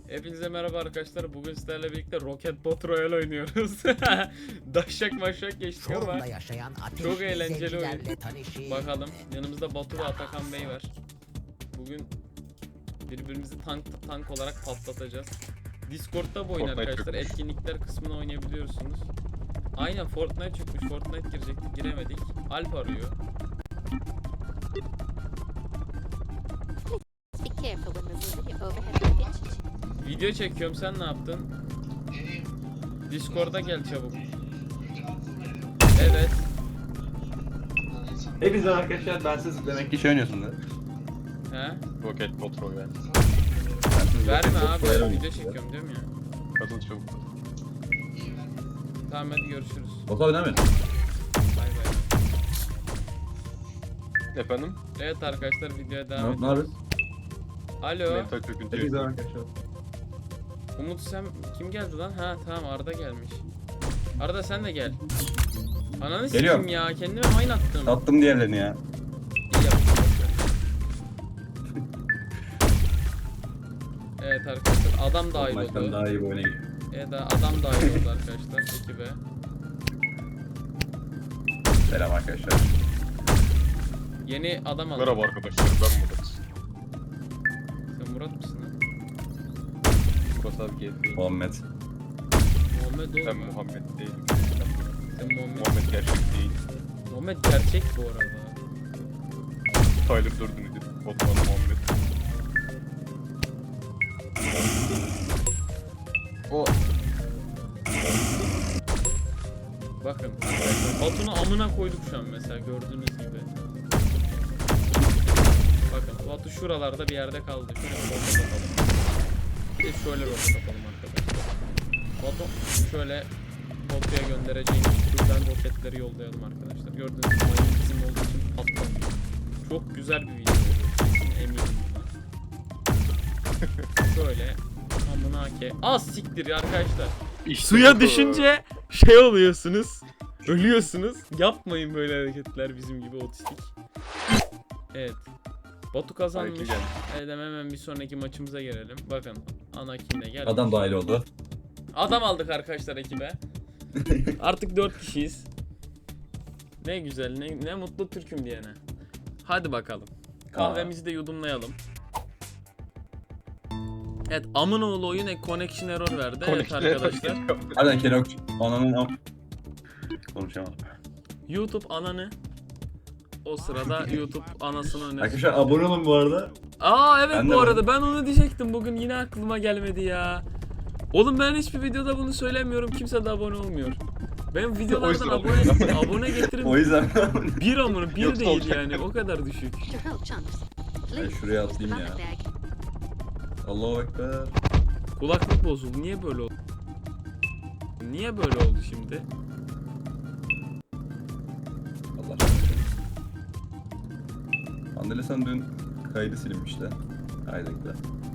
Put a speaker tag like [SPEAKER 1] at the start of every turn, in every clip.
[SPEAKER 1] Hepinize merhaba arkadaşlar. Bugün sizlerle birlikte Rocket Bot Royale oynuyoruz. Daşak maşak geçtik ama
[SPEAKER 2] Forumda yaşayan
[SPEAKER 1] çok eğlenceli
[SPEAKER 2] zevcilerle
[SPEAKER 1] oyun.
[SPEAKER 2] tanışın.
[SPEAKER 1] Bakalım. Yanımızda Batu ve Atakan Bey var. Bugün birbirimizi tank olarak patlatacağız. Discord'da bu oyun
[SPEAKER 3] Fortnite
[SPEAKER 1] arkadaşlar.
[SPEAKER 3] çıkmış.
[SPEAKER 1] Etkinlikler kısmına oynayabiliyorsunuz. Aynen Fortnite çıkmış. Fortnite girecektik, giremedik. Alp arıyor.
[SPEAKER 4] Be careful when removing your overhead luggage.
[SPEAKER 1] Video çekiyorum, sen ne yaptın? Discord'a gel çabuk. Evet.
[SPEAKER 3] Hepinize arkadaşlar, ben siz demek ki şey oynuyorsun da.
[SPEAKER 1] He?
[SPEAKER 3] Rocket Bot Royale.
[SPEAKER 1] Verme abi, video çekiyorum diyorum ya.
[SPEAKER 3] Katıl çabuk.
[SPEAKER 1] Tamam hadi görüşürüz.
[SPEAKER 5] Batu abi ne mi?
[SPEAKER 1] Bay bay.
[SPEAKER 3] Efendim?
[SPEAKER 1] Evet arkadaşlar, videoya devam
[SPEAKER 5] Ne
[SPEAKER 1] ediyoruz.
[SPEAKER 5] yapıyorsun?
[SPEAKER 1] Alo.
[SPEAKER 3] Mental çöküntü.
[SPEAKER 5] Hepinize arkadaşlar.
[SPEAKER 1] Umut sen kim geldi lan? Ha tamam, Arda gelmiş. Arda sen de gel. Ananı
[SPEAKER 5] Geliyorum.
[SPEAKER 1] sikeyim ya, kendime mine attım.
[SPEAKER 5] Attım diğerlerini ya.
[SPEAKER 1] İyi yaptın. Evet arkadaşlar, adam dahil
[SPEAKER 5] Maçtan
[SPEAKER 1] oldu.
[SPEAKER 5] daha iyi bir oyuna gidiyor.
[SPEAKER 1] Evet adam dahil oldu arkadaşlar ekibe.
[SPEAKER 5] Selam arkadaşlar.
[SPEAKER 1] Yeni adam aldı.
[SPEAKER 3] Merhaba arkadaşlar, ben Murat.
[SPEAKER 1] Sen Murat mısın lan?
[SPEAKER 3] Murat abi geldi.
[SPEAKER 5] Muhammed.
[SPEAKER 1] Muhammed
[SPEAKER 3] Ben
[SPEAKER 1] oğlum.
[SPEAKER 3] Muhammed değilim.
[SPEAKER 1] Sen Muhammed.
[SPEAKER 3] Muhammed gerçek değil.
[SPEAKER 1] Muhammed gerçek bu arada.
[SPEAKER 3] Tyler Durden idi. Botman Muhammed. O
[SPEAKER 1] Bakın arkadaşlar, Batu'nu amına koyduk şu an mesela, gördüğünüz gibi. Bakın Batu şuralarda bir yerde kaldı. Şöyle bir roket atalım. Bir de şöyle roket atalım arkadaşlar. Batu şöyle Batu'ya göndereceğimiz türden roketleri yollayalım arkadaşlar. Gördüğünüz gibi mayın bizim olduğu için patlamıyor. Çok güzel bir video oluyor. Kesin eminim buna. Şöyle amına ke. Az siktir ya arkadaşlar.
[SPEAKER 3] işte
[SPEAKER 1] Suya
[SPEAKER 3] bu.
[SPEAKER 1] düşünce şey oluyorsunuz. Ölüyorsunuz. Yapmayın böyle hareketler, bizim gibi otistik. Evet. Batu kazanmış.
[SPEAKER 3] Anakin geldi.
[SPEAKER 1] Evet, hemen bir sonraki maçımıza gelelim. Bakın Anakin de geldi.
[SPEAKER 5] Adam dahil oldu.
[SPEAKER 1] Adam aldık arkadaşlar ekibe. Artık 4 kişiyiz. Ne güzel, ne mutlu Türk'üm diyene. Hadi bakalım. Kahvemizi de yudumlayalım. Evet, amınoğlu oyun connection error verdi. Evet arkadaşlar.
[SPEAKER 5] Hadi Kenok. Ananın am. Konuşamadım.
[SPEAKER 1] YouTube ananı. O sırada YouTube anasını öne.
[SPEAKER 5] Arkadaşlar abone olun bu arada.
[SPEAKER 1] Aa evet,
[SPEAKER 5] Ben de
[SPEAKER 1] bu
[SPEAKER 5] varım.
[SPEAKER 1] arada ben onu diyecektim, bugün yine aklıma gelmedi ya. Oğlum ben hiçbir videoda bunu söylemiyorum, kimse de abone olmuyor. Benim videolardan
[SPEAKER 3] O yüzden
[SPEAKER 1] abone getirin.
[SPEAKER 5] O yüzden
[SPEAKER 1] Bir amına bir
[SPEAKER 3] Yoksa
[SPEAKER 1] değil
[SPEAKER 3] olacak.
[SPEAKER 1] yani, o kadar düşük.
[SPEAKER 4] To help chunks.
[SPEAKER 5] Ben
[SPEAKER 4] Please
[SPEAKER 5] şuraya
[SPEAKER 4] use the
[SPEAKER 5] atlayayım ya.
[SPEAKER 4] bag.
[SPEAKER 5] Allahu Ekber.
[SPEAKER 1] Kulaklık bozuldu, niye böyle oldu? Niye böyle oldu şimdi?
[SPEAKER 5] Allah rahmet eylesin. Andele sen dün kaydı silinmiş de. Kaydekle.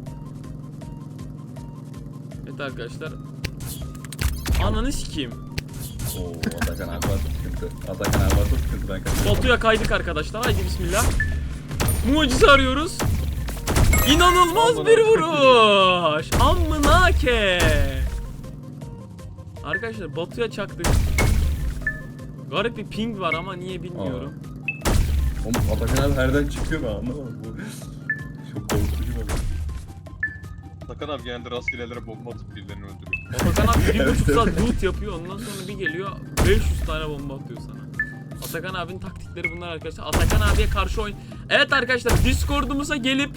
[SPEAKER 1] Evet arkadaşlar. Ananı sikeyim.
[SPEAKER 5] Oo Atakan abi var sıkıntı. Atakan abi var sıkıntı, ben kaçıyorum.
[SPEAKER 1] Batu'ya kaydık arkadaşlar, haydi bismillah. Mucize arıyoruz. İnanılmaz bir vuruş. Amına ke. Arkadaşlar Batu'ya çaktık. Garip bir ping var ama niye bilmiyorum.
[SPEAKER 5] Oğlum Atakan abi herden çıkıyor mu, anlamadım bu. Çok korkutucu bak.
[SPEAKER 3] Takan abi genelde rastgelelere bomba atıp birilerini öldürüyor.
[SPEAKER 1] Atakan abi 1,5 saat loot yapıyor, ondan sonra bir geliyor 500 tane bomba atıyor sana. Atakan abinin taktikleri bunlar arkadaşlar. Atakan abiye karşı oyun. Evet arkadaşlar, Discord'umuza gelip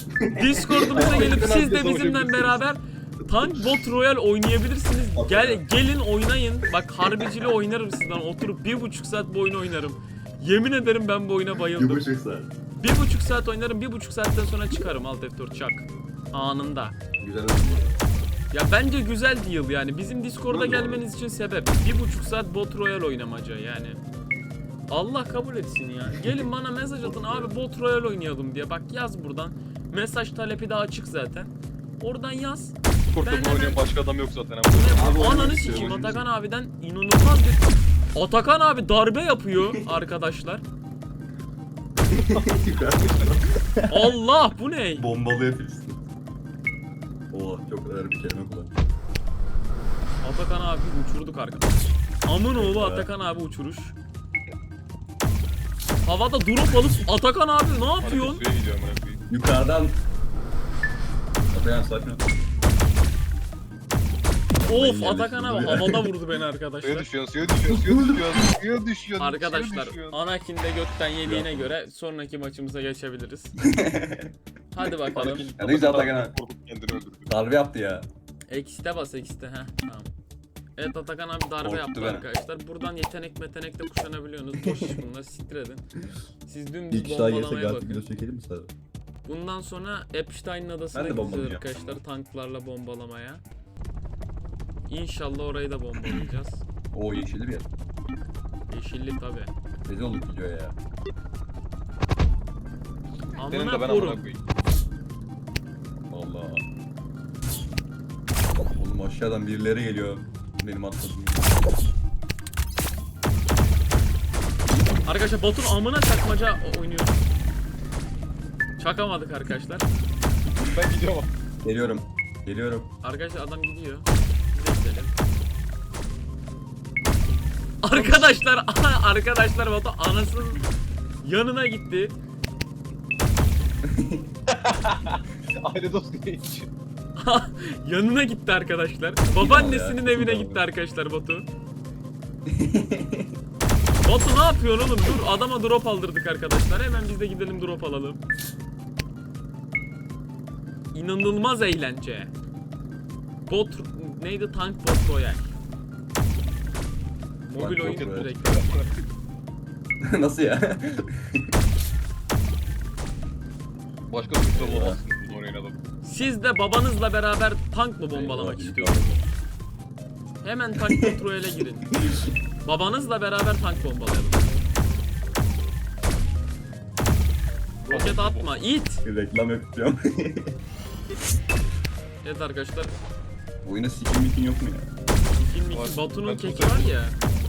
[SPEAKER 1] siz de bizimle beraber Tank Bot Royale oynayabilirsiniz. Gelin oynayın. Bak harbicili oynarım sizden. Oturup 1,5 saat bu oyunu oynarım. Yemin ederim ben bu oyuna bayıldım.
[SPEAKER 5] 1,5 saat.
[SPEAKER 1] 1,5 saat oynarım. 1,5 saatten sonra çıkarım Alt F4 çak. Anında.
[SPEAKER 5] Güzel oldu bu.
[SPEAKER 1] Ya bence güzel deal yani. Bizim Discord'a gelmeniz için sebep 1,5 saat Bot Royale oynamaca yani. Allah kabul etsin ya. Gelin bana mesaj atın abi, Bot Royale oynayalım diye. Bak yaz buradan. Mesaj talebi de açık zaten. Oradan yaz.
[SPEAKER 3] Kurtta
[SPEAKER 1] Ben
[SPEAKER 3] bunu oynayan
[SPEAKER 1] hemen-
[SPEAKER 3] başka adam yok zaten ama.
[SPEAKER 5] Abi oynamak
[SPEAKER 1] Ananı
[SPEAKER 5] istiyorum,
[SPEAKER 1] sikeyim,
[SPEAKER 5] oynamak
[SPEAKER 1] Atakan abiden inanılmaz bir... Atakan abi darbe yapıyor arkadaşlar. Allah bu ne?
[SPEAKER 5] Bombalıyor Filistin. Oo çok ağır bir kelime kullan.
[SPEAKER 1] Atakan abi uçurduk arkadaşlar. Amın oğlu
[SPEAKER 5] Evet.
[SPEAKER 1] Atakan abi uçuruş. Havada drop alıp Atakan abi ne yapıyorsun?
[SPEAKER 3] Suya gidiyor amına koyayım.
[SPEAKER 5] Yukarıdan. Atakan sakin ol.
[SPEAKER 1] Of
[SPEAKER 5] Ben
[SPEAKER 1] Atakan abi
[SPEAKER 5] yerleştim.
[SPEAKER 1] havada vurdu beni
[SPEAKER 3] Suya
[SPEAKER 1] arkadaşlar.
[SPEAKER 3] düşüyorsun, suya düşüyorsun, suya düşüyorsun, suya düşüyorsun.
[SPEAKER 1] Arkadaşlar
[SPEAKER 3] suya düşüyorsun.
[SPEAKER 1] Anakin de gökten yediğine göre sonraki maçımıza geçebiliriz. Hadi bakalım.
[SPEAKER 3] Anakin
[SPEAKER 5] Ya ne güzel Atakan abi.
[SPEAKER 3] korkup kendini öldürdü.
[SPEAKER 5] Darbe yaptı ya.
[SPEAKER 1] X'te bas X'te heh tamam. Evet Atakan abi darbe
[SPEAKER 5] Korktu
[SPEAKER 1] yaptı
[SPEAKER 5] beni.
[SPEAKER 1] arkadaşlar. Buradan yetenek metenek de kuşanabiliyorsunuz. Boş iş bunlar siktir edin. Siz dümdüz
[SPEAKER 5] İlk daha yesek
[SPEAKER 1] bombalamaya
[SPEAKER 5] artık
[SPEAKER 1] bakın.
[SPEAKER 5] video çekelim mi sana?
[SPEAKER 1] Bundan sonra Epstein'in adasına
[SPEAKER 5] Ben de
[SPEAKER 1] gideceğiz
[SPEAKER 5] bombalayacağım.
[SPEAKER 1] arkadaşlar tanklarla bombalamaya. İnşallah orayı da bombalayacağız.
[SPEAKER 5] Oo yeşilli bir yer.
[SPEAKER 1] Yeşilli tabi.
[SPEAKER 5] Rezil olduk video ya.
[SPEAKER 3] Senin de
[SPEAKER 1] Amına
[SPEAKER 3] ben amına
[SPEAKER 1] korum.
[SPEAKER 3] koyayım.
[SPEAKER 5] Valla. Oğlum aşağıdan birileri geliyor. Benim atladım.
[SPEAKER 1] Arkadaşlar Batu'nun amına çakmaca oynuyor. Çakamadık arkadaşlar.
[SPEAKER 3] Ben gidiyorum.
[SPEAKER 5] Geliyorum. Geliyorum.
[SPEAKER 1] Arkadaşlar adam gidiyor. Biz de gidelim. Arkadaşlar Batu anasının yanına gitti.
[SPEAKER 3] Aile dostu genç.
[SPEAKER 1] Yanına gitti arkadaşlar. Babaannesinin
[SPEAKER 5] Ya,
[SPEAKER 1] evine
[SPEAKER 5] ya.
[SPEAKER 1] gitti arkadaşlar Batu. Batu ne yapıyorsun oğlum? Dur adama drop aldırdık arkadaşlar. Hemen biz de gidelim drop alalım. İnanılmaz eğlence. Bot neydi? Tank Bot Royal. Mobil
[SPEAKER 5] Tank
[SPEAKER 1] oyun
[SPEAKER 5] Bot Royal.
[SPEAKER 1] direkt.
[SPEAKER 5] Nasıl ya?
[SPEAKER 3] Başka suçlar olamazsın bunu oraya adam.
[SPEAKER 1] Siz de babanızla beraber tank mı bombalamak
[SPEAKER 5] Eyvah,
[SPEAKER 1] istiyorsunuz? Hemen tank Bot Royal'e girin. Babanızla beraber tank bombalayalım. Roket atma, it.
[SPEAKER 5] Bir reklam yapacağım.
[SPEAKER 1] Evet arkadaşlar,
[SPEAKER 5] Bu oyuna sikim mikin yok mu ya?
[SPEAKER 1] Kim
[SPEAKER 3] Var.
[SPEAKER 1] Batu'nun
[SPEAKER 3] Ben
[SPEAKER 1] keki
[SPEAKER 3] tutarım.
[SPEAKER 1] var ya.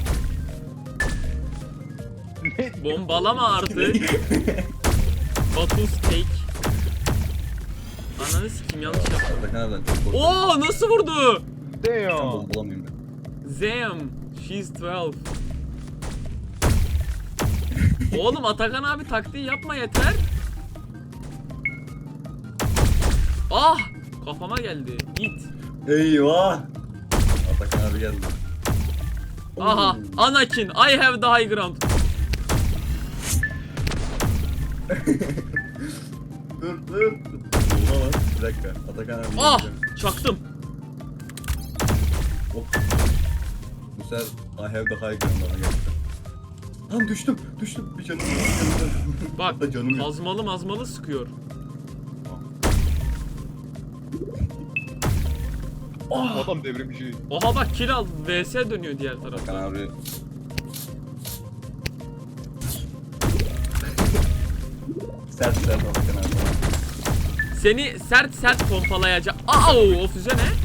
[SPEAKER 1] Bombalama artık. Batu's cake. Ananı sikim yanlış yaptım.
[SPEAKER 5] Atakan abiden çok korkuyorum.
[SPEAKER 1] Oo nasıl vurdu?
[SPEAKER 5] Ben
[SPEAKER 3] Damn.
[SPEAKER 5] bombalamıyorum ben.
[SPEAKER 1] Zam, she's 12. Oğlum Atakan abi taktiği yapma yeter. Ah! Kafama geldi. Git.
[SPEAKER 5] Eyvah! Atakan abi geldi.
[SPEAKER 1] Aha, Anakin, I have the high ground.
[SPEAKER 5] Dur. Bomba var. Bir dakika. Atakan abi
[SPEAKER 1] Ah!
[SPEAKER 5] geleceğim.
[SPEAKER 1] Çaktım.
[SPEAKER 5] Hop. Bu sefer I have the high ground bana geldi. Tam düştüm. Bir canım var.
[SPEAKER 1] Bak,
[SPEAKER 5] Hatta canım yok.
[SPEAKER 1] mazmalı sıkıyor.
[SPEAKER 3] Adam devrimci.
[SPEAKER 1] Oha bak kill al, vs dönüyor diğer
[SPEAKER 5] Atakan
[SPEAKER 1] tarafta.
[SPEAKER 5] abi. Sert Atakan abi.
[SPEAKER 1] Seni sert pompalayacak. Au, o füze ne?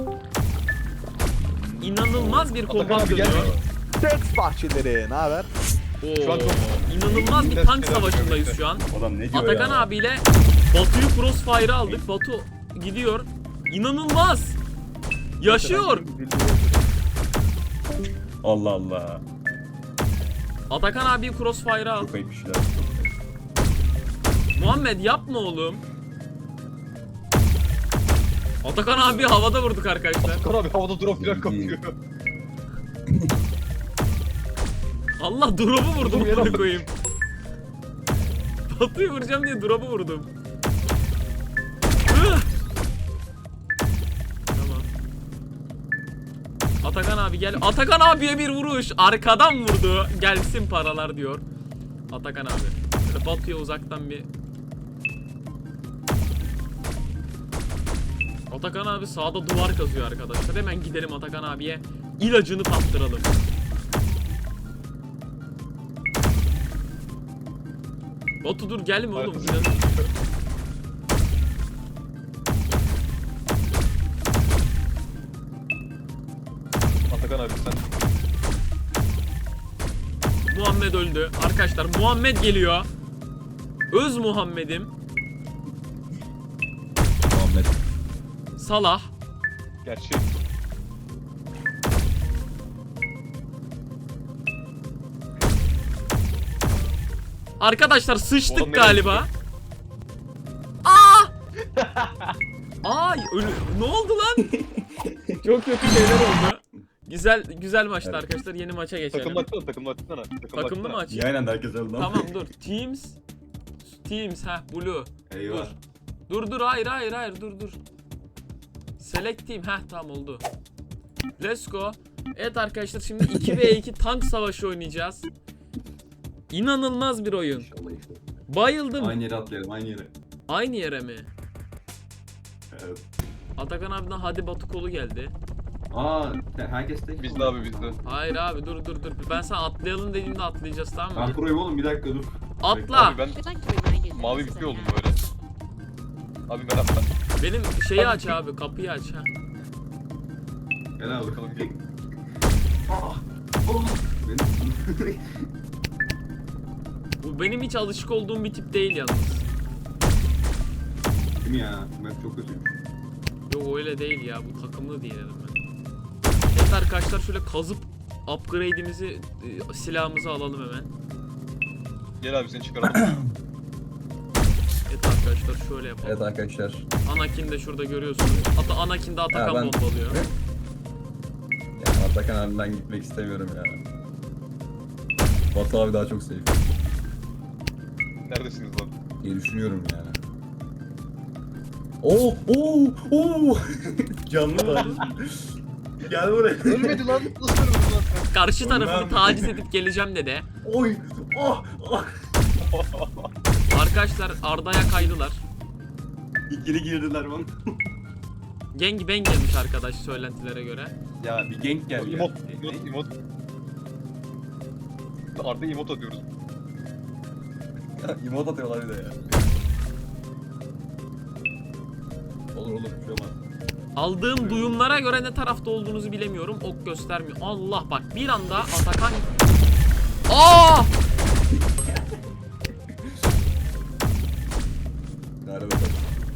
[SPEAKER 1] İnanılmaz bir
[SPEAKER 3] Atakan
[SPEAKER 1] kombat
[SPEAKER 3] abi gel.
[SPEAKER 1] dönüyor.
[SPEAKER 2] Seks bahçeleri, ne haber?
[SPEAKER 3] Şu an çok-
[SPEAKER 1] İnanılmaz bir tank savaşındayız şu an.
[SPEAKER 5] Adam ne diyor
[SPEAKER 1] Atakan
[SPEAKER 5] ya?
[SPEAKER 1] abiyle Batu'yu crossfire'a aldık. Batu gidiyor. İnanılmaz. Yaşıyor.
[SPEAKER 5] Allah Allah.
[SPEAKER 1] Atakan abiyi crossfire'a al.
[SPEAKER 5] Çok ayıp işler.
[SPEAKER 1] Muhammed yapma oğlum. Atakan abi havada vurduk arkadaşlar.
[SPEAKER 3] Atakan abi havada drop falan kapıyor.
[SPEAKER 1] Allah drop'u vurdum
[SPEAKER 3] Vurdum,
[SPEAKER 1] onu
[SPEAKER 3] yere
[SPEAKER 1] koyayım. Batu'yu vuracağım diye drop'u vurdum. Hıh! Tamam. Atakan abi gel. Atakan abiye bir vuruş. Arkadan vurdu. Gelsin paralar diyor. Atakan abi. Böyle Batu'ya uzaktan bir... Atakan abi sağda duvar kazıyor arkadaşlar. Hemen gidelim Atakan abiye. İlacını tattıralım. Batu dur gelme oğlum.
[SPEAKER 3] Arkadaşlar. Atakan abi sen
[SPEAKER 1] Muhammed öldü. Arkadaşlar Muhammed geliyor. Öz Muhammed'im.
[SPEAKER 5] Muhammed.
[SPEAKER 1] Salah.
[SPEAKER 3] Gerçek.
[SPEAKER 1] Arkadaşlar
[SPEAKER 3] Oğlum
[SPEAKER 1] sıçtık
[SPEAKER 3] nereye
[SPEAKER 1] galiba. Aa! Ay ne oldu lan? Çok kötü şeyler oldu. Güzel maçtı
[SPEAKER 5] Evet.
[SPEAKER 1] arkadaşlar. Yeni maça geçelim.
[SPEAKER 3] Takımlı açsana, takımlı açsana.
[SPEAKER 1] Takımlı mı açayım?
[SPEAKER 5] İyi aynen de herkes öldü lan.
[SPEAKER 1] Tamam dur. Teams Blue.
[SPEAKER 5] Eyvah.
[SPEAKER 1] Dur hayır dur. Select team tamam oldu. Let's go. Evet arkadaşlar şimdi 2v2 tank savaşı oynayacağız. İnanılmaz bir oyun.
[SPEAKER 5] İnşallah işte.
[SPEAKER 1] Bayıldım.
[SPEAKER 5] Aynı yere atlayalım aynı yere.
[SPEAKER 1] Aynı yere mi?
[SPEAKER 5] Evet.
[SPEAKER 1] Atakan abiden hadi Batu kolu geldi.
[SPEAKER 5] Herkes tek.
[SPEAKER 3] Bizde abi bizde.
[SPEAKER 1] Hayır abi dur. Ben sana atlayalım dediğimde atlayacağız tamam mı?
[SPEAKER 5] Ben proyum oğlum bir dakika dur.
[SPEAKER 1] Atla.
[SPEAKER 3] Abi ben
[SPEAKER 4] We'd like to remind you that
[SPEAKER 3] mavi
[SPEAKER 4] this is
[SPEAKER 3] bitki
[SPEAKER 4] a
[SPEAKER 3] oldum
[SPEAKER 4] map.
[SPEAKER 3] böyle. Abi merhaba.
[SPEAKER 1] Benim şeyi aç abi kapıyı aç ha.
[SPEAKER 5] Gel abi.
[SPEAKER 3] Bakalım gel.
[SPEAKER 5] Benim...
[SPEAKER 1] Bu benim hiç alışık olduğum bir tip değil yalnız.
[SPEAKER 5] Değil mi ya? Map çok kötüymüş.
[SPEAKER 1] Yok öyle değil ya bu takımlı değil dedim ben. Evet arkadaşlar şöyle kazıp upgrade'imizi silahımızı alalım hemen.
[SPEAKER 3] Gel abi seni çıkaralım.
[SPEAKER 1] Evet arkadaşlar şöyle yapalım.
[SPEAKER 5] Evet arkadaşlar.
[SPEAKER 1] Anakin de şurada görüyorsunuz. Hatta Anakin de Atakan
[SPEAKER 5] ben-
[SPEAKER 1] bombalıyor.
[SPEAKER 5] Ya Atakan abi ben gitmek istemiyorum ya. Batu abi daha çok safe
[SPEAKER 3] Neredesiniz lan?
[SPEAKER 5] diye düşünüyorum yani. Oo. Canlı var. Gel buraya.
[SPEAKER 3] Ölmedi lan. Nasıl ölmedi lan sen?
[SPEAKER 1] Karşı tarafını
[SPEAKER 5] Onlar-
[SPEAKER 1] taciz edip geleceğim dedi.
[SPEAKER 5] Oy. Oh.
[SPEAKER 1] Arkadaşlar Arda'ya kaydılar.
[SPEAKER 5] İkili girdiler bana.
[SPEAKER 1] Gangbang gelmiş arkadaş söylentilere göre.
[SPEAKER 5] Ya bir gank geldi ya.
[SPEAKER 3] Emot. Arda emot atıyoruz.
[SPEAKER 5] Ya emote atıyorlar bir de ya. Olur bir şey olmaz.
[SPEAKER 1] Aldığım duyumlara göre ne tarafta olduğunuzu bilemiyorum. Ok göstermiyor. Allah bak bir anda Atakan... Aa!
[SPEAKER 5] Hadi bakalım.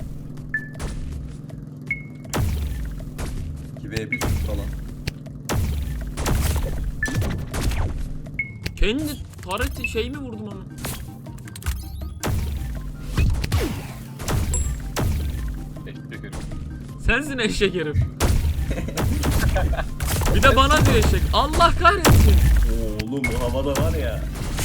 [SPEAKER 5] 2v1 falan.
[SPEAKER 1] Kendi tareti şey mi vurdum ama?
[SPEAKER 3] Eşek herif.
[SPEAKER 1] Sensin eşek herif. Bir de bana diyor eşek. Allah kahretsin.
[SPEAKER 5] Oğlum bu havada var ya.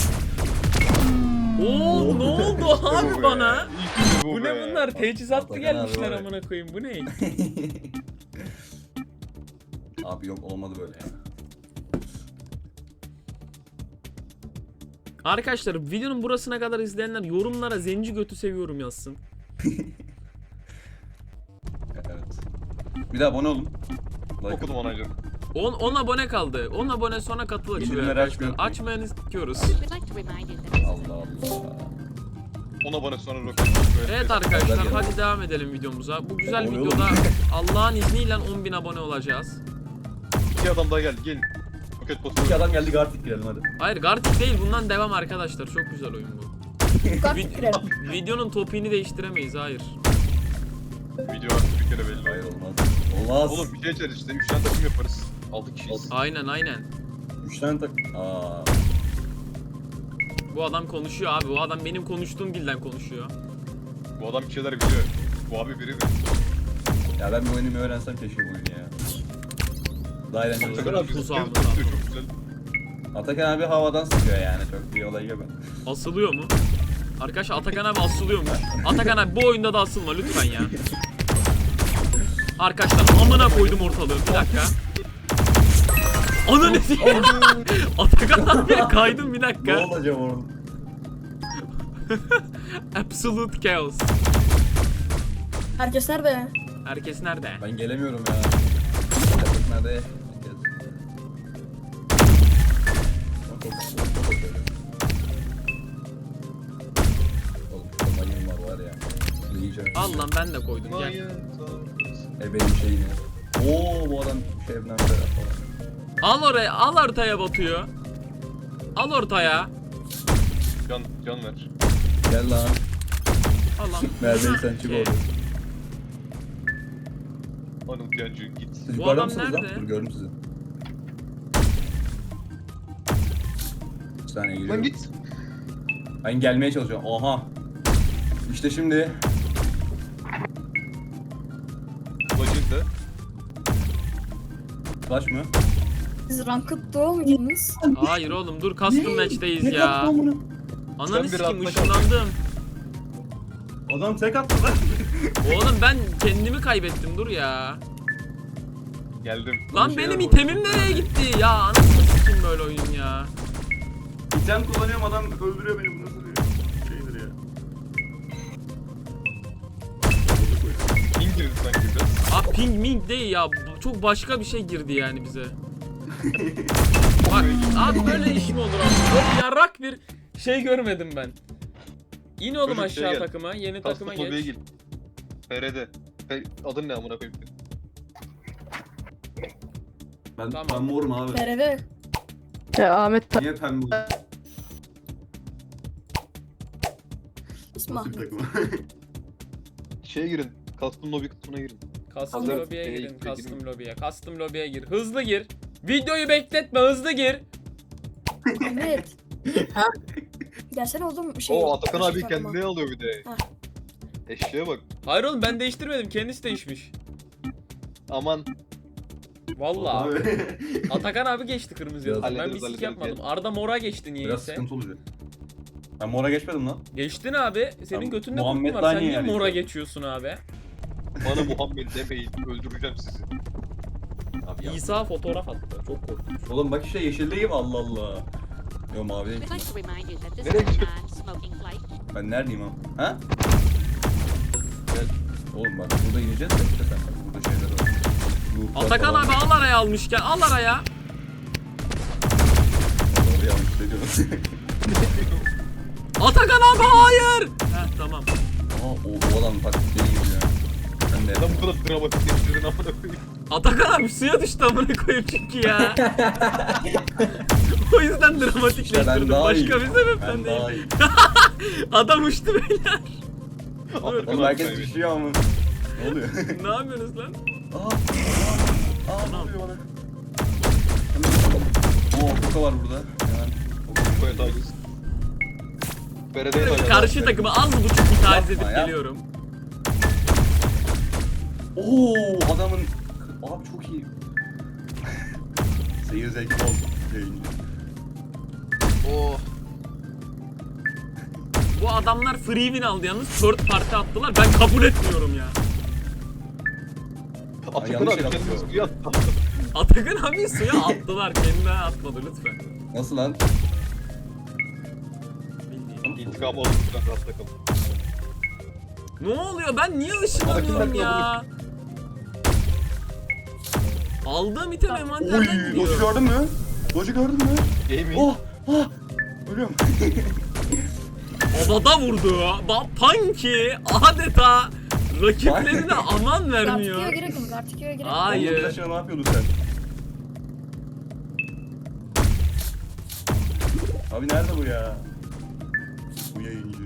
[SPEAKER 1] Oo ne oldu abi
[SPEAKER 3] Bu be.
[SPEAKER 1] bana?
[SPEAKER 3] İşte
[SPEAKER 1] Bu
[SPEAKER 3] be.
[SPEAKER 1] ne bunlar? Teçhizatlı
[SPEAKER 5] Atakan
[SPEAKER 1] gelmişler
[SPEAKER 5] abi var ya.
[SPEAKER 1] amına koyayım. Bu ne?
[SPEAKER 5] Abi yok olmadı böyle ya.
[SPEAKER 1] Arkadaşlar videonun burasına kadar izleyenler yorumlara zenci götü seviyorum yazsın.
[SPEAKER 5] Evet. Bir de abone olun. Like
[SPEAKER 3] Okudum
[SPEAKER 5] atın.
[SPEAKER 3] anacığım.
[SPEAKER 1] 10 abone kaldı. 10 abone sonra katıl açılıyor
[SPEAKER 5] Bildirimleri
[SPEAKER 1] arkadaşlar.
[SPEAKER 5] açmayı
[SPEAKER 1] Açmayanı istiyoruz.
[SPEAKER 4] We'd like to remind you that this is a
[SPEAKER 5] Allah
[SPEAKER 4] map.
[SPEAKER 5] Allah.
[SPEAKER 3] 10 abone sonra roket.
[SPEAKER 1] Evet arkadaşlar
[SPEAKER 5] Güzel
[SPEAKER 1] hadi devam edelim videomuza. Bu güzel
[SPEAKER 5] Abone
[SPEAKER 1] videoda
[SPEAKER 5] olun.
[SPEAKER 1] Allah'ın izniyle 10.000 abone olacağız.
[SPEAKER 3] 2 adam daha geldi. Gelin. Roket
[SPEAKER 5] İki
[SPEAKER 3] basıyor.
[SPEAKER 5] adam geldi Gartic girelim hadi.
[SPEAKER 1] Hayır Gartic değil bundan devam arkadaşlar. Çok güzel oyun bu. Videonun topiğini değiştiremeyiz hayır.
[SPEAKER 3] Video artık bir kere belli.
[SPEAKER 5] Hayır olmaz. Olmaz.
[SPEAKER 3] Oğlum bir şey içeriz işte. 3 tane takım yaparız. 6 kişiyiz.
[SPEAKER 1] Aynen.
[SPEAKER 5] 3 tane tak...
[SPEAKER 1] Bu adam konuşuyor abi. Bu adam benim konuştuğum dilden konuşuyor.
[SPEAKER 3] Bu adam bir şeyler biliyor. Bu abi biri mi?
[SPEAKER 5] Ya ben bir oyunu öğrensem keşke bu oyunu ya. Daha eğlenceli
[SPEAKER 3] Atakan
[SPEAKER 5] olur.
[SPEAKER 3] abi bizim
[SPEAKER 1] Tuzağımız
[SPEAKER 3] kez
[SPEAKER 1] abi.
[SPEAKER 3] basıyor çok güzel.
[SPEAKER 5] Atakan abi havadan sıkıyor yani. Çok bir olay yok.
[SPEAKER 1] Asılıyor mu? Arkadaşlar Atakan abi asılıyormuş. Atakan abi bu oyunda da asılma lütfen ya. Arkadaşlar amına koydum ortalığı. Bir dakika. Ananı diyeyim. Atakan abiye kaydım bir
[SPEAKER 5] Ne
[SPEAKER 1] dakika.
[SPEAKER 5] olacak orada?
[SPEAKER 1] Absolute chaos.
[SPEAKER 6] Herkes nerede?
[SPEAKER 1] Herkes nerede?
[SPEAKER 5] Ben gelemiyorum ya. Herkes nerede? Herkes. Oğlum şurada mayın var ya. Bunu yiyeceğim.
[SPEAKER 1] Al lan ben de koydum gel.
[SPEAKER 5] Benim şeyini. Oo bu adam Şebnem Ferah falan.
[SPEAKER 1] Al oraya al ortaya batıyor. Al ortaya.
[SPEAKER 3] Can ver.
[SPEAKER 5] Gel lan.
[SPEAKER 1] Al lan.
[SPEAKER 5] Neredeysen çık orada.
[SPEAKER 3] Anıl Yancı git.
[SPEAKER 5] Siz
[SPEAKER 1] Bu
[SPEAKER 5] yukarıda
[SPEAKER 1] adam
[SPEAKER 5] mısınız lan?
[SPEAKER 1] nerede?
[SPEAKER 5] Dur gördüm sizi. Bir saniye
[SPEAKER 3] Lan
[SPEAKER 5] geliyorum.
[SPEAKER 3] git.
[SPEAKER 5] Ben gelmeye çalışıyorum. Oha. İşte şimdi.
[SPEAKER 3] Bacında.
[SPEAKER 5] Flash mı?
[SPEAKER 6] Siz Ranked Duo muydunuz?
[SPEAKER 1] Hayır oğlum dur custom match'teyiz
[SPEAKER 5] Ne
[SPEAKER 1] ya.
[SPEAKER 5] yaptı lan bunu?
[SPEAKER 1] Ananı
[SPEAKER 3] Sen bir
[SPEAKER 1] sikeyim
[SPEAKER 3] rahatla kal.
[SPEAKER 1] ışınlandım.
[SPEAKER 5] Adam tek attı lan.
[SPEAKER 1] Oğlum ben kendimi kaybettim dur ya.
[SPEAKER 3] Geldim.
[SPEAKER 1] Lan
[SPEAKER 5] şeyler
[SPEAKER 1] benim
[SPEAKER 5] var.
[SPEAKER 1] itemim nereye gitti ya? Anasını sikeyim böyle oyun ya.
[SPEAKER 5] İtem kullanıyorum adam öldürüyor beni. Bu nasıl bir şeydir ya?
[SPEAKER 3] Ping girdi sanki biraz.
[SPEAKER 1] Abi ping ming değil ya. Çok başka bir şey girdi yani bize. Bak abi böyle iş mi olur abi? Böyle yarrak bir şey görmedim ben. İn oğlum
[SPEAKER 3] Çocuk
[SPEAKER 1] aşağı
[SPEAKER 3] gel.
[SPEAKER 1] takıma. Yeni takıma
[SPEAKER 3] Custom lobby'ye
[SPEAKER 1] geç.
[SPEAKER 3] gir. FR'de. Adın ne amına koyayım?
[SPEAKER 5] Ben,
[SPEAKER 1] Tamam.
[SPEAKER 5] ben morum abi.
[SPEAKER 6] BRB.
[SPEAKER 2] Ahmet
[SPEAKER 5] Niye pembe?
[SPEAKER 6] İsmi
[SPEAKER 5] Nasıl bir
[SPEAKER 6] Ahmet.
[SPEAKER 5] takım?
[SPEAKER 3] Şeye girin. Custom lobby kısmına girin.
[SPEAKER 1] Custom
[SPEAKER 6] Ahmet.
[SPEAKER 1] lobby'ye girin.
[SPEAKER 3] Girin.
[SPEAKER 1] Custom lobby'ye. Custom lobby'ye gir. Hızlı gir. Videoyu bekletme hızlı gir.
[SPEAKER 6] Ahmet. Gelsene oğlum şey.
[SPEAKER 3] Oo Atakan abi
[SPEAKER 6] takıma.
[SPEAKER 3] kendine alıyor bir de.
[SPEAKER 6] Hah.
[SPEAKER 3] Eşeğe bak.
[SPEAKER 1] Hayır oğlum ben değiştirmedim. Kendisi değişmiş.
[SPEAKER 3] Aman.
[SPEAKER 1] Vallahi.
[SPEAKER 5] Abi.
[SPEAKER 1] Atakan abi geçti kırmızıya.
[SPEAKER 5] Biraz
[SPEAKER 1] Ben bir
[SPEAKER 3] hallederiz,
[SPEAKER 1] sik
[SPEAKER 3] hallederiz,
[SPEAKER 1] yapmadım.
[SPEAKER 3] gel.
[SPEAKER 1] Arda mora geçti
[SPEAKER 5] Biraz
[SPEAKER 1] niyeyse.
[SPEAKER 5] sıkıntı olacak. Ben mora geçmedim lan.
[SPEAKER 1] Geçtin abi. Senin
[SPEAKER 5] Tamam,
[SPEAKER 1] götünde
[SPEAKER 5] Muhammed
[SPEAKER 1] kurtun var. Sen
[SPEAKER 5] Dani
[SPEAKER 1] niye
[SPEAKER 5] yani
[SPEAKER 1] mora
[SPEAKER 5] işte.
[SPEAKER 1] geçiyorsun abi?
[SPEAKER 3] Bana Muhammed demeyin. Öldüreceğim sizi.
[SPEAKER 5] Abi ya.
[SPEAKER 1] İsa fotoğraf attı. Çok korkmuş.
[SPEAKER 5] Oğlum bak işte yeşildeyim Allah Allah. Yo mavi değil.
[SPEAKER 4] We'd like to remind you that this
[SPEAKER 3] Nereye
[SPEAKER 4] is a
[SPEAKER 3] gidiyorsun?
[SPEAKER 4] non-smoking flight.
[SPEAKER 5] Ben neredeyim abi? Ha? Gel. Oğlum bak burada ineceğiz de işte sen bak burada şeyler var. Ruhlar
[SPEAKER 1] Atakan
[SPEAKER 5] falan.
[SPEAKER 1] abi al araya almışken al araya.
[SPEAKER 5] Oraya almış ne diyorsun?
[SPEAKER 1] Atakan abi hayır. Heh tamam.
[SPEAKER 5] Aa o adam taktikleri gibi ya. Ben de
[SPEAKER 3] Neden bu kadar dramatik geçirdin amına koyayım?
[SPEAKER 1] Atakan abi suya düştü amına koyayım çünkü ya. O yüzden
[SPEAKER 5] İşte ben
[SPEAKER 1] dramatikleştirdim.
[SPEAKER 5] daha
[SPEAKER 1] Başka
[SPEAKER 5] iyiyim.
[SPEAKER 1] bir sebepten
[SPEAKER 5] Ben
[SPEAKER 1] değil.
[SPEAKER 5] daha iyi.
[SPEAKER 1] Adam uçtu beyler.
[SPEAKER 3] Atakan
[SPEAKER 5] Oğlum
[SPEAKER 3] abi
[SPEAKER 5] herkes
[SPEAKER 3] kaybetti.
[SPEAKER 5] düşüyor ama. Ne oluyor?
[SPEAKER 1] Ne yapıyorsunuz lan?
[SPEAKER 5] Aa ne oluyor bana? Oo koka var burada. Hemen.
[SPEAKER 3] Koya taciz. FR'de taciz.
[SPEAKER 1] Karşı takımı az buçuk bir taciz edip
[SPEAKER 5] Yapma ya.
[SPEAKER 1] geliyorum.
[SPEAKER 5] Oo adamın abi çok iyi. Seyir zevki bol yayıncı.
[SPEAKER 3] Oh.
[SPEAKER 1] Bu adamlar free win aldı yalnız. Third party attılar. Ben kabul etmiyorum ya.
[SPEAKER 3] Atakan
[SPEAKER 5] yanlış
[SPEAKER 3] abi
[SPEAKER 5] yere
[SPEAKER 3] kendini
[SPEAKER 5] atıyor.
[SPEAKER 3] suya attı.
[SPEAKER 1] Atakan abi suya attılar. Kendine atmadı lütfen.
[SPEAKER 5] Nasıl lan?
[SPEAKER 1] Bildiğin.
[SPEAKER 3] İntikamı alın lütfen rahatla kalın.
[SPEAKER 1] Ne oluyor? Ben niye ışınlanıyorum ya? Aldığım item
[SPEAKER 5] Oy
[SPEAKER 1] envanterden
[SPEAKER 5] Doge'u
[SPEAKER 1] gidiyor.
[SPEAKER 5] gördün mü? Doge'u gördün mü?
[SPEAKER 3] Gaming.
[SPEAKER 5] Oh oh ölüyorum.
[SPEAKER 1] Havada vurdu. Punky adeta rakiplerine aman vermiyor.
[SPEAKER 6] Gartikio'ya girelim. Gartikio'ya girelim.
[SPEAKER 1] Hayır.
[SPEAKER 5] Oğlum, Flaş'a ne yapıyordun sen? Abi nerede bu ya? Bu yayıncı.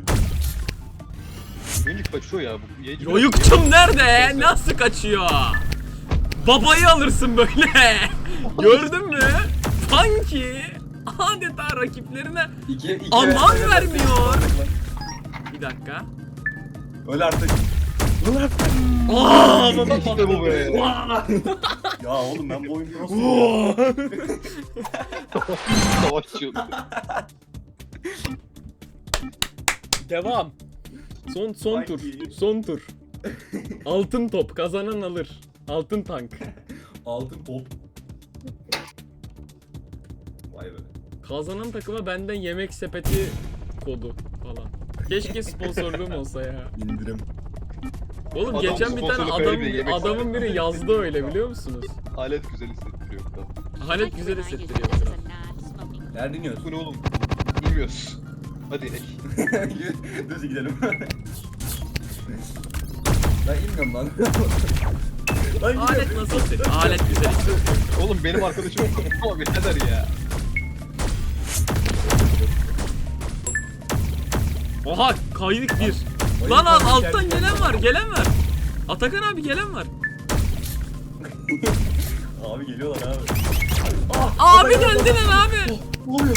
[SPEAKER 3] Minik kaçıyor ya bu. Yayıncı-
[SPEAKER 1] Yoyukçum nerede? Nasıl kaçıyor? Babayı alırsın böyle. Gördün mü? Punky adeta rakiplerine
[SPEAKER 5] İki
[SPEAKER 1] aman vermiyor. Bir dakika.
[SPEAKER 5] Öl artık. Öl artık.
[SPEAKER 1] Aa, baba
[SPEAKER 3] İşte bu be.
[SPEAKER 5] Ya oğlum ben bu oyunu nasıl
[SPEAKER 3] Savaşçı.
[SPEAKER 1] Devam. Son tur.
[SPEAKER 5] Punky.
[SPEAKER 1] Son tur. Altın top kazanan alır. Altın tank.
[SPEAKER 5] Altın top. Vay be.
[SPEAKER 1] Kazanan takıma benden yemek sepeti kodu falan. Keşke sponsorluğum olsa ya.
[SPEAKER 5] İndirim.
[SPEAKER 1] Oğlum
[SPEAKER 3] Adam
[SPEAKER 1] geçen bir tane
[SPEAKER 3] sponsorluk öyle bir yemek
[SPEAKER 1] adamın biri yazdı öyle biliyor musunuz?
[SPEAKER 3] Alet güzel hissettiriyor bu kadar.
[SPEAKER 4] We'd
[SPEAKER 1] Halet
[SPEAKER 4] like to
[SPEAKER 1] güzel
[SPEAKER 4] remind you
[SPEAKER 1] hissettiriyor
[SPEAKER 4] that this is
[SPEAKER 1] biraz.
[SPEAKER 4] a non-smoking
[SPEAKER 5] Nerede iniyorsun?
[SPEAKER 3] Bu ne oğlum? Bilmiyoruz. Hadi inek.
[SPEAKER 5] Düz gidelim. Ben inmiyorum lan. Lan
[SPEAKER 1] Alet
[SPEAKER 5] gidiyorum.
[SPEAKER 1] nasıl hissettiriyor? Alet güzel hissettiriyor.
[SPEAKER 3] Oğlum benim arkadaşım ama birader ya.
[SPEAKER 1] Oha kaydık bir.
[SPEAKER 5] Oyun
[SPEAKER 1] Lan
[SPEAKER 5] kaldı,
[SPEAKER 1] alttan
[SPEAKER 5] geldi.
[SPEAKER 1] gelen var gelen var. Atakan abi gelen var.
[SPEAKER 5] Abi geliyorlar abi.
[SPEAKER 1] Abi döndüler abi.
[SPEAKER 5] Ne oluyor?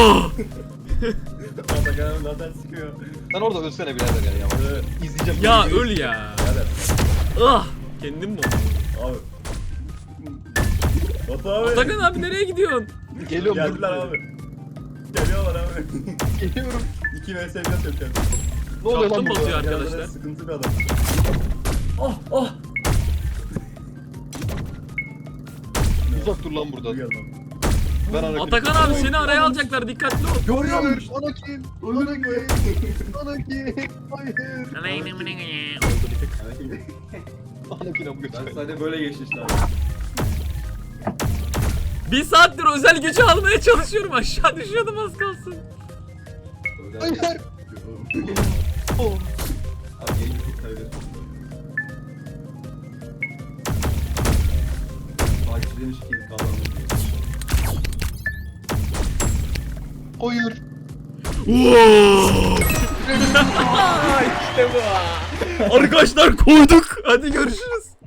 [SPEAKER 5] Atakan abi zaten sıkıyor.
[SPEAKER 3] Sen orada ölsene birader ya.
[SPEAKER 5] Evet.
[SPEAKER 3] İzleyeceğim.
[SPEAKER 1] Ya
[SPEAKER 3] böyle
[SPEAKER 1] öl ya.
[SPEAKER 5] Birader.
[SPEAKER 1] Ah. Kendim mi?
[SPEAKER 5] Abi. Batu abi.
[SPEAKER 1] Atakan abi nereye gidiyorsun?
[SPEAKER 3] Geliyorum.
[SPEAKER 5] Geldiler abi. Geliyorlar abi.
[SPEAKER 3] Geliyorum.
[SPEAKER 5] 2 vs 1 yapacağım.
[SPEAKER 3] Ne oluyor
[SPEAKER 1] Kaptım
[SPEAKER 3] lan
[SPEAKER 1] basıyor
[SPEAKER 3] burada?
[SPEAKER 1] arkadaşlar.
[SPEAKER 5] Arkadaşlar sıkıntı bir adam. Ah.
[SPEAKER 3] Uzak dur lan buradan.
[SPEAKER 5] Bir adam.
[SPEAKER 3] Ben Anakin.
[SPEAKER 1] Atakan abi seni araya alacaklar, dikkatli ol.
[SPEAKER 5] Görüyor
[SPEAKER 3] Hayır,
[SPEAKER 5] musun?
[SPEAKER 3] Anakin.
[SPEAKER 5] Öldük mü?
[SPEAKER 3] Anakin. Hayır.
[SPEAKER 1] Oldu bir tık.
[SPEAKER 3] Anakin abi
[SPEAKER 5] Ben
[SPEAKER 3] götür.
[SPEAKER 5] sadece böyle geçti işte abi.
[SPEAKER 1] Bir saattir özel gücü almaya çalışıyorum, aşağı düşüyordum az kalsın.
[SPEAKER 3] Hayır. Oh.
[SPEAKER 5] Abi yeni bir tek kaybettim. Takip demiş ki kazandım.
[SPEAKER 3] Hayır.
[SPEAKER 1] İşte bu. Arkadaşlar koyduk. Hadi görüşürüz.